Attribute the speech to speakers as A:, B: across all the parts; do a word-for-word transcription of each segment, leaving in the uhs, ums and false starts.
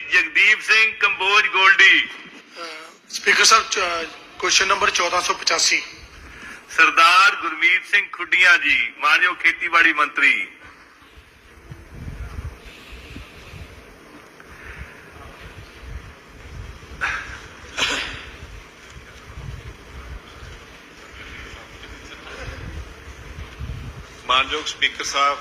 A: Jagdeep Singh Kamboj Goldy.
B: Speaker साहब question number चौदह सौ पचासी।
A: सरदार गुरमीत सिंह खुडिया जी, मानयोग खेतीबाड़ी मंत्री।
C: मानयोग स्पीकर साहब,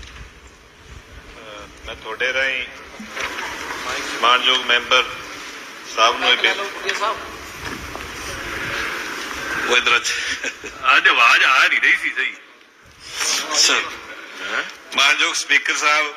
C: मैं थोड़े राही मानयोग मैंबर साहब नूं वो इधर
A: आज आवाज आ नहीं रही सी सही
C: सर। मानयोग स्पीकर साहब,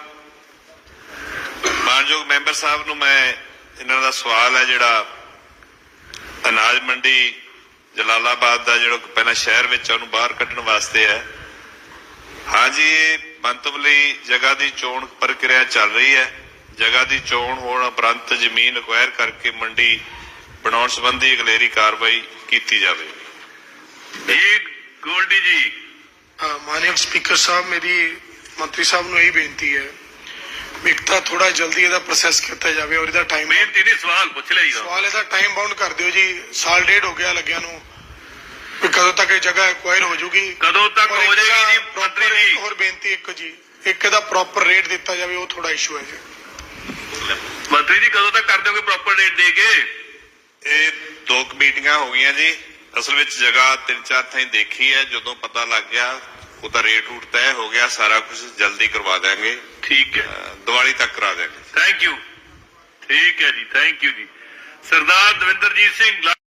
C: मानयोग मैंबर साहब नूं मैं इन्हां दा सवाल है जिहड़ा अनाज मंडी जलालाबाद का जो पहला शहर विच उहनूं बाहर कड्ढण वास्ते है। हाँ जी, ये मंतवली जगह की चोण प्रक्रिया चल रही है। जगह की चोण होने उपरंत जमीन अक्वायर करके मंडी बनाने संबंधी अगलेरी कार्रवाई की जाए।
A: जी गोल्डी जी।
B: मानयोग स्पीकर साहब, मेरी मंत्री साहब नूं यही बेनती है भी एक तां थोड़ा जल्दी इहदा प्रोसैस किया जाए और इहदा टाइम
A: बेनती नहीं, सवाल पूछ लिया जी।
B: सवाल इहदा टाइम बाउंड कर दिओ जी। साल डेढ़ हो गया लग्या नूं भी कदों तक ये जगह एक्वायर हो जूगी,
A: कदों तक हो जाएगी जी मंत्री जी।
B: और बेनती एक जी, एक इहदा प्रॉपर रेट दिता जाए, वो थोड़ा इशू है जी।
A: मंत्री जी कदों तक कर दोगे प्रॉपर रेट दे के?
C: ये दो मीटिंगां हो गई जी। असल में जगह तीन चार थाई देखी है, जो पता लग गया उसका रेट रूट तय हो गया, सारा कुछ जल्दी करवा देंगे।
A: ठीक है,
C: दिवाली तक करा देंगे।
A: Thank you. ठीक है जी, थैंक यू जी। सरदार दविंदरजीत सिंह।